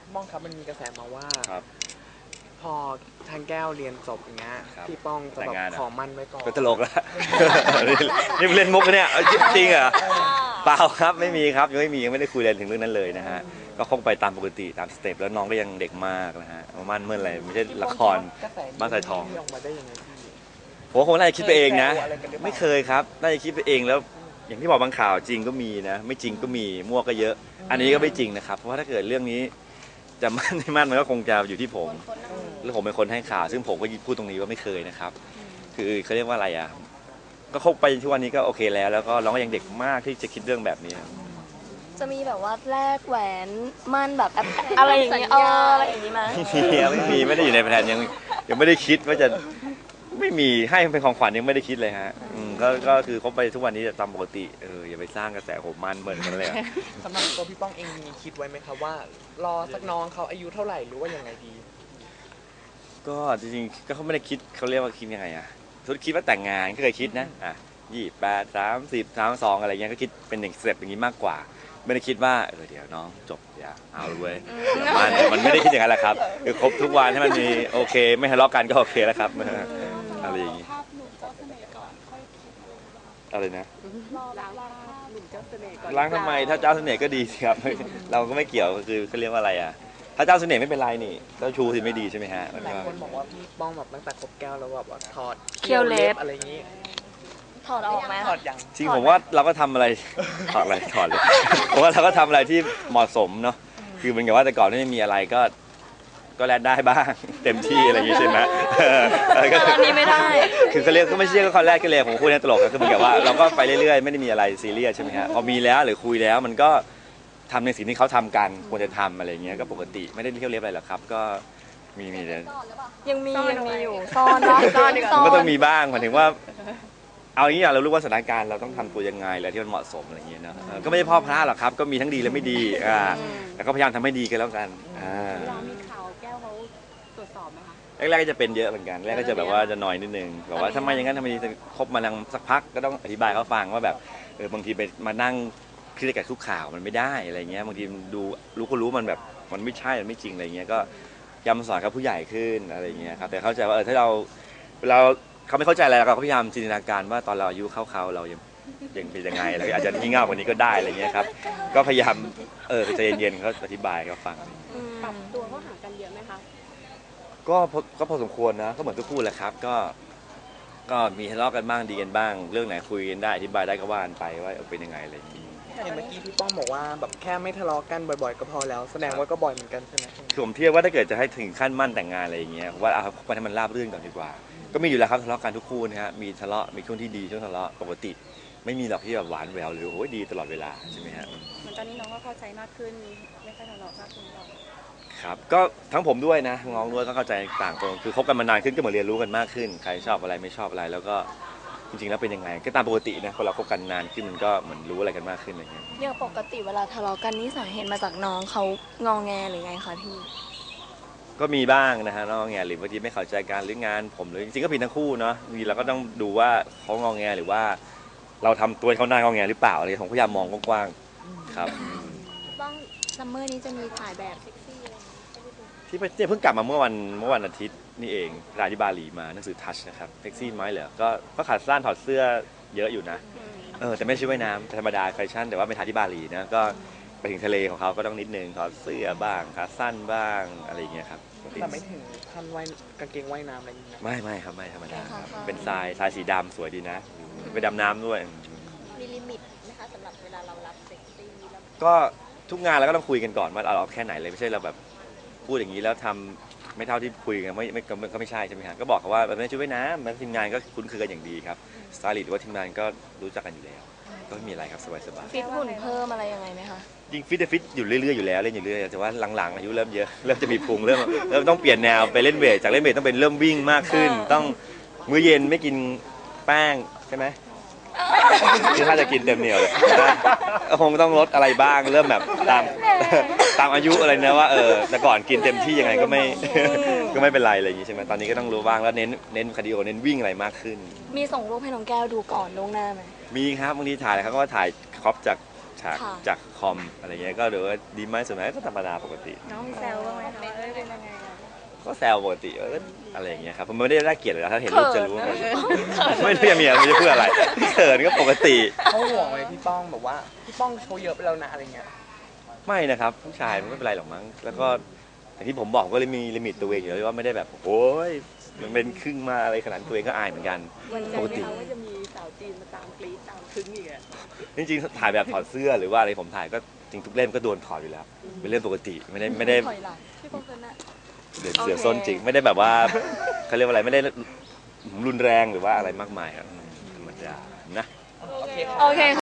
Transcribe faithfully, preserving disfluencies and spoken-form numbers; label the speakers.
Speaker 1: ป้องครับมันมีกระแสมาว่า
Speaker 2: ครับ
Speaker 1: พอทางแก้วเรียนจบอย่างเงี้ยพี่ป้องจะแบบขอมั่นไว้ก่อน
Speaker 2: ก็ตลกแล้วนี่เล่นมุกเนี่ยจริงเหรอเปล่าครับไม่มีครับยังไม่มียังไม่ได้คุยเรื่องถึงเรื่องนั้นเลยนะฮะก็คงไปตามปกติตามสเต็ปแล้วน้องก็ยังเด็กมากนะฮะมั่นเมื่อไหร่ไม่ใช่ละครบ้านสายทอง
Speaker 1: ออกมาได้ยังไงพี่
Speaker 2: ผมคงน่าจะคิดไปเองนะไม่เคยครับน่าจะคิดไปเองแล้วอย่างที่บอกบางข่าวจริงก็มีนะไม่จริงก็มีมั่วก็เยอะอันนี้ก็ไม่จริงนะครับเพราะว่าถ้าเกิดเรื่องนี้จะมั่นไม่มั่นมันก็คงจะอยู่ที่ผมแล้วผมเป็นคนให้ข่าวซึ่งผมก็พูดตรงนี้ว่าไม่เคยนะครับคือเขาเรียกว่าอะไรอ่ะก็คบไปทุกวันนี้ก็โอเคแล้วแล้วก็น้องก็ยังเด็กมากที่จะคิดเรื่องแบบนี้
Speaker 3: จะมีแบบว่าแลกแหวนมั่นแบบอะไรอย่างนี้เอออะไรอย่างนี้ไหม
Speaker 2: ไม่มีไม่ได้อยู่ในแผนยังยังไม่ได้คิดว่าจะไม่มีให้เป็นของขวัญยังไม่ได้คิดเลยฮะก็ก็คือคบไปทุกวันนี้จะตามปกติเอออย่าไปสร้างกระแสผมมันเหมือนกันเลย
Speaker 1: สำหรับตัวพี่ป้องเองมีคิดไว้ไหมครับว่ารอสักน้องเขาอายุเท่าไหร่หรือว่ายังไงดี
Speaker 2: ก็จริงๆก็เขาไม่ได้คิดเขาเรียกว่าคิดยังไงอะทุกคิดว่าแต่งงานก็เคยคิดนะอ่ะยี่สิบแปดสามสิบสามสองอะไรเงี้ยก็คิดเป็นหนึ่งสเต็ปอย่างนี้มากกว่าไม่ได้คิดว่าเออเดี๋ยวน้องจบอย่าเอาเลยมันมันไม่ได้คิดอย่างนั้นแหละครับคือคบทุกวันให้มันมีโอเคไม่ทะเลาะกันก็โอเคแล้วครับอะไรอย่างนี้อะไรนะล้างทำไมถ้าเจ้าเสน่ห์ก็ดีสิครับเราก็ไม่เกี่ยวก็คือเขาเรียกว่าอะไรอ่ะถ้าเจ้าเสน่ห์ไม่เป็นไรนี่เจ้าชูสิไม่ดีใช่ไหมฮะ
Speaker 1: หลายคนบอกว่าพี่ป้องแบบตั้งแต่คบแก้วแล้วแบบว่าถอด
Speaker 3: เคี้ยวเล็บ
Speaker 1: อะไรอย่างนี้
Speaker 3: ถอดออกไหม
Speaker 1: ถอดอย่าง
Speaker 2: จริงผมว่าเราก็ทำอะไรถอดอะไรถอดเลยผมว่าเราก็ทำอะไรที่เหมาะสมเนาะคือเป็นกับว่าแต่ก่อนไม่มีอะไรก็ก็แลดได้บ้างเต็มที่อะไรอย่างนี้ใช่ไหม
Speaker 3: อันนี้ไม่ได้
Speaker 2: คือเขาเรียกก็ไม่ใช่ก็คอนแรกก็เลยผมพูดในตลกก็คือเหมือนกับว่าเราก็ไปเรื่อยๆไม่ได้มีอะไรซีเรียสใช่ไหมฮะพอมีแล้วหรือคุยแล้วมันก็ทำในสิ่งที่เขาทำกันควรจะทำอะไรเงี้ยก็ปกติไม่ได้เที่ยวเล็บอะไรหรอกครับก็มีมีเลย
Speaker 3: ยังมียังมีอยู่ซ่อนซ่อน
Speaker 2: มันก็ต้องมีบ้างหมายถึงว่าเอาอย่างนี้เรารู้ว่าสถานการณ์เราต้องทำตัวยังไงอะไรที่มันเหมาะสมอะไรอย่างเงี้ยนะก็ไม่ใช่พ่อพระหรอกครับก็มีทั้งดีและไม่ดีอ่าแล้วก็พยายามทำให้ดีกันแล้วกันอ่า
Speaker 4: มีข่าวแก้วเขาตรวจสอบไหมคะ
Speaker 2: แรกๆก็จะเป็นเยอะเหมือนกันแรกก็จะแบบว่าจะหน่อยนิดนึงแบบว่าทำไมอย่างนั้นทำไมคบมาสักพักก็ต้องอธิบายเขาฟังว่าแบบเออบางทีไปมานั่งคิดกับทุกข่าวมันไม่ได้อะไรเงี้ยบางทีดูรู้ก็รู้มันแบบมันไม่ใช่มันไม่จริงอะไรเงี้ยก็ย้ำสอนเขาผู้ใหญ่ขึ้นอะไรเงี้ยครับแต่เข้าใจว่าเออถ้าเราเราเขาไม่เข้าใจอะไรเราก็พยายามจินตนาการว่าตอนเราอายุเข้าเขาเรายังยังเป็นยังไงเราอาจจะงี่เง่ากว่านี้ก็ได้อะไรเงี้ยครับก็พยายามเออใจเย็นๆเขาอธิบายเขาฟัง
Speaker 4: ปรับตัวเขาห่างกันเยอะไหมคะ
Speaker 2: ก็ก็พอสมควรนะก็เหมือนทุกคู่แหละครับก็ก็มีทะเลาะกันบ้างดีกันบ้างเรื่องไหนคุยกันได้อธิบายได้ก็ว่ากันไปว่าเป็นยังไงอะไรอย่างนี้
Speaker 1: เห็นเมื่อกี้พี่ป้องบอกว่าแบบแค่ไม่ทะเลาะกันบ่อยๆก็พอแล้วแสดงว่าก็บ่อยเหมือนกันใช่ไหม
Speaker 2: คือผมเทียบว่าถ้าเกิดจะให้ถึงขั้นมั่นแต่งงานอะไรอย่างเงี้ยว่าเอาไปให้มันราบรื่นก่อนดีกว่าก็มีอยู่แล้วครับทะเลาะกันทุกคู่นะฮะมีทะเลาะมีช่วงที่ดีช่วงทะเลาะปกติไม่มีหรอกที่แบบหวานแหววหรือโอ้ยดีตลอดเวลาใช่ไหมฮะ
Speaker 4: เหมือนตอนนี้น้องก็เข้าใจมากขึ้นไม่ค่อยทะเลาะมากขึ้นหรอก
Speaker 2: ครับก็ทั้งผมด้วยนะน้องด้วยก็เข้าใจต่างคนคือคบกันมานานขึ้นก็เหมือนเรียนรู้กันมากขึ้นใครชอบอะไรไม่ชอบอะไรแล้วก็จริงๆแล้วเป็นยังไงก็ตามปกตินะคนเราคบกันนานขึ้นมันก็เหมือนรู้อะไรกันมากขึ้นอะไรเงี้ย
Speaker 3: อย่างปกติเวลาทะเลาะกันนี่สาเหตุมาจากน้องเขางอแงหรือไงคะพี่
Speaker 2: ก็มีบ้างนะฮะน้องแงหรือบางทีไม่เข้าใจการหรืองานผมหรือจริงๆก็ผิดทั้งคู่เนาะมีเราก็ต้องดูว่าเขางอแงหรือว่าเราทำตัวเขาหน้างอแงหรือเปล่าอะไรผมพยายามมองกว้างๆครับ
Speaker 3: บ้างซัมเมอร์นี้จะมีถ่ายแบบเซ็กซี่อะไร
Speaker 2: ที่เพิ่งกลับมาเมื่อวันเมื่อวันอาทิตย์นี่เองถ่ายที่บาหลีมาหนังสือทัชนะครับเซ็กซี่ไหมเหรอก็ก็ขาดสั้นถอดเสื้อเยอะอยู่นะเออแต่ไม่ใช่ว่ายน้ำธรรมดาแฟชั่นแต่ว่าไปถ่ายที่บาหลีนะก็ไปถึงทะเลของเขาก็ต้องนิดนึงถอดเสื้อบ้างขาสั้นบ้างอะไรอย่างเงี้ยครับ
Speaker 1: แต่ไม่ถึงขั้นว่ายกางเกงว่ายน้ำอะไรอย่างเงี้ย
Speaker 2: ไม่ไม่ครับไม่ธรรมดาครับเป็นทรายทรายสีดำสวยดีนะไปดำน้ำด้วย
Speaker 4: มีลิมิตนะคะสำหรับเวลาเรารับเซ็กซี่
Speaker 2: ก็ทุกงานเราก็ต้องคุยกันก่อนว่าเราเอาแค่ไหนเลยไม่ใช่เราแบบพูดอย่างนี้แล้วทำไม่เท่าที่คุยกันไม่ไม่ก็ไม่ใช่ใช่ไหมครับก็บอกเขาว่าแบบนี้ช่วยนะมันทีมงานก็คุ้นเคยกันอย่างดีครับสไตลิสต์หรือว่าทีมงานก็รู้จักกันอยู่แล้วก็ไม่มีอะไรครับสบาย
Speaker 3: ๆฟิตหุ่นเพิ่มอะไรยังไงไหมคะ
Speaker 2: ยิงฟิตแต่ฟิตอยู่เรื่อยๆอยู่แล้วเล่นอยู่เรื่อยแต่ว่าหลังๆอายุเริ่มเยอะเริ่มจะมีพุงเริ่มเริ่มต้องเปลี่ยนแนวไปเล่นเวทจากเล่นเวทต้องเป็นเริ่มวิ่งมากขึ้นต้องมื้อเย็นไม่กินแป้งใช่ไหมคือถ้าจะกินเต็มเหนียวเลยคงต้องลดอะไรบ้างเริ่มแบบตามตามอายุอะไรนะว่าเออแต่ก่อนกินเต็มที่ยังไงก็ไม่ก็ไม่เป็นไรอะไรอย่างนี้ใช่ไหมตอนนี้ก็ต้องรู้บ้างแล้วเน้นเน้นคาร์ดิโอเน้นวิ่งอะไรมากขึ้น
Speaker 3: มีส่งรูปให้น้องแก้วดูก่อนล่วงหน้าไหม
Speaker 2: มีครับบางทีถ่ายเขาก็ถ่ายครอปจากฉาก
Speaker 3: ค่ะ
Speaker 2: จากคอมอะไรเงี้ยก็เดี๋ยวว่าดีไหมสวยไหมก็ธรรมดาปกติ
Speaker 4: น้องมีแซวบ้างไหมคะว่าเอ้ยเป็นยังไงอะ
Speaker 2: ก็แซวปกติเอออะไรอย่างเงี้ยครับผมไม่ได้น่าเกลียดเลยนะถ้าเห็นรูปจะรู้ว่า
Speaker 3: เขินนะ
Speaker 2: ไม่รู้จะมีอะไรไม่รู้จะพูดอะไรเขินก็ปกติ
Speaker 1: เขาห่วงไหมพี่ป้องแบบว่าพี่ป้องโชว์เยอะไปแล้วนะอะไรเงี้ย
Speaker 2: ไม่นะครับผู้ชายมันไม่เป็นไรหรอกมั้งแล้วก็อย่างที่ผมบอกก็เลยมีลิมิตตัวเองอยู่แล้วว่าไม่ได้แบบโอ้ยมันเป็นครึ่งมาอะไรขนาดนั้นตัวเองก็อายเหมือนกัน
Speaker 4: วันใจ
Speaker 2: ปก
Speaker 4: ไหม
Speaker 2: ติ
Speaker 4: คะว่าจะมีสาวจีนมาตามกรี๊ดตามคึ้งอีกอะ
Speaker 2: จริงๆถ่ายแบบถอดเสื้อหรือว่าอะไรผมถ่ายก็จริงทุกเล่มก็โดนถอดอยู่แล้วเป็นเรื่องปกติไม่ได้ไม่ได้
Speaker 3: ถอยหลังพี่ปองเคยน่ะ
Speaker 2: เดือด
Speaker 3: โอเค
Speaker 2: เสือส้นจริงไม่ได้แบบว่าเขาเรียกว่าอะไรไม่ได้รุนแรงหรือว่าอะไรมากมายครับธรรมดานะ
Speaker 1: โอเคค่ะ
Speaker 3: โอเค